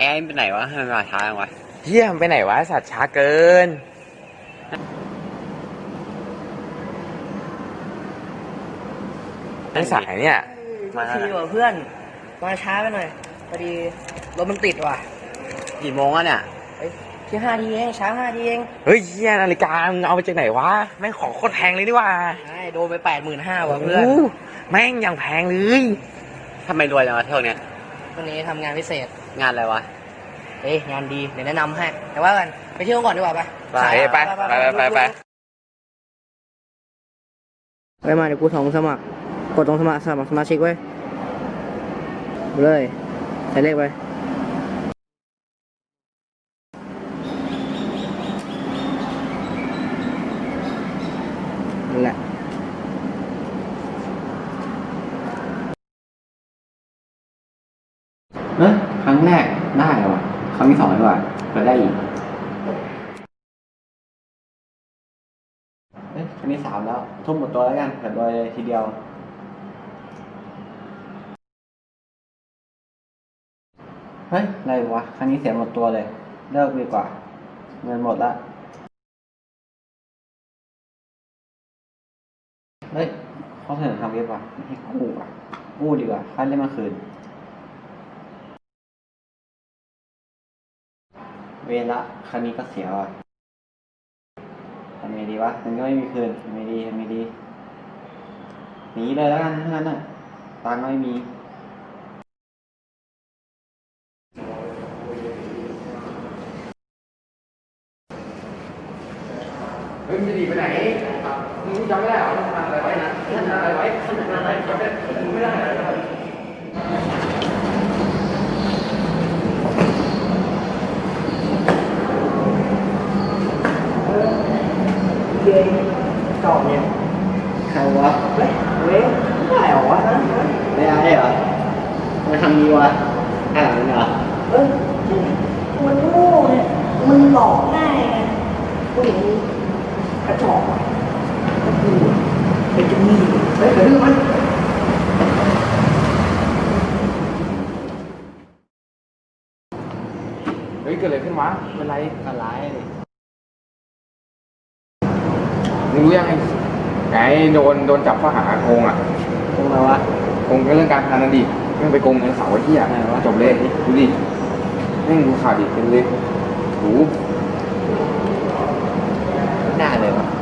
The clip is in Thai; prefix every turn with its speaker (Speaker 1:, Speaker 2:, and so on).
Speaker 1: ไอ้ไปไหนวะทำไมมาช้าจังวะ
Speaker 2: เฮียมันไปไหนวะสัตว์ช้าเกินไอ้สายเนี่ย
Speaker 3: มาทีว่ะเพื่อนมาช้าไปหน่อยพอดีรถมันติดว่ะ
Speaker 1: กี่โมงอ่ะเนี่ย
Speaker 3: แค่5 ทีเองช้า5 ทีเอง
Speaker 2: เฮ้ยเฮียนาฬิกามึงเอาไปจากไหนวะแม่งของโคตรแพงเลยนี่ว่า
Speaker 3: ใช่โดนไป85,000ว่ะเพื่อน
Speaker 2: แม่งยังแพงเลย
Speaker 1: ทำไมรวยจังวะเท่านี้
Speaker 3: วันนี้ทำงานพิเศษ
Speaker 1: งานอะไรวะ
Speaker 3: งานดีเดี๋ยวแนะนำให้แต่ว่ากันไปเที่ยวก่อนดีกว่าไปมาเดี๋ยวกูส่งสมัครกดตรงสมัครสมาชิกไว้เลยใส่เลขไปนั่นแหละ
Speaker 1: ครั้งแรกได้เหรอครั้งที่2ดีกว่าเปิดได้อีกครั้งที่3แล้วทุ่มหมดตัวแล้วกันเปิดโดยทีเดียวอะไรวะครั้งนี้เสียหมดตัวเลยเลิกดีกว่าเงินหมดละเขาเสนอทำเว็บว่ะให้กู้ดีกว่าค่าเล่นมาคืนเวรละครั้งนี้ก็เสียว่ะทำไงดีวะมันก็ไม่มีคืนทำไงดีหนีเลยแล้วกันทั้งนั้นน่ะตังค์ไม่มีมึงจะหนีไปไหนมึงจำไม่ได้หรอทำอะไรไว้นะทำอะไรไว้จำไม่ได้
Speaker 3: เย้จอบเนี่ย
Speaker 1: ใครวะ
Speaker 3: เว้ยได้เหรอวะ
Speaker 1: ไม่ได้เหรอมาทำนี้วะอะไรเหรอ
Speaker 3: มันโง่เนี่ยมันหลอกง่ายไงผู้หญิงกระจอกก็คือเป็นจะมีกระดื้อมัน
Speaker 2: เกิดอะไรขึ้นวะเป็นไร
Speaker 1: อะไร
Speaker 2: มึงรู้ยังไงโดนจับข้อหาโกงอ่ะ
Speaker 1: โกงอะไรวะ
Speaker 2: โกงเรื่องการพนันดิเรื่องไปโกงเงินสาวไอ้ที่อ่ะจบเลยดูดินี่ดูข่าวดิเป็นเลย
Speaker 1: หน้าเลยวะ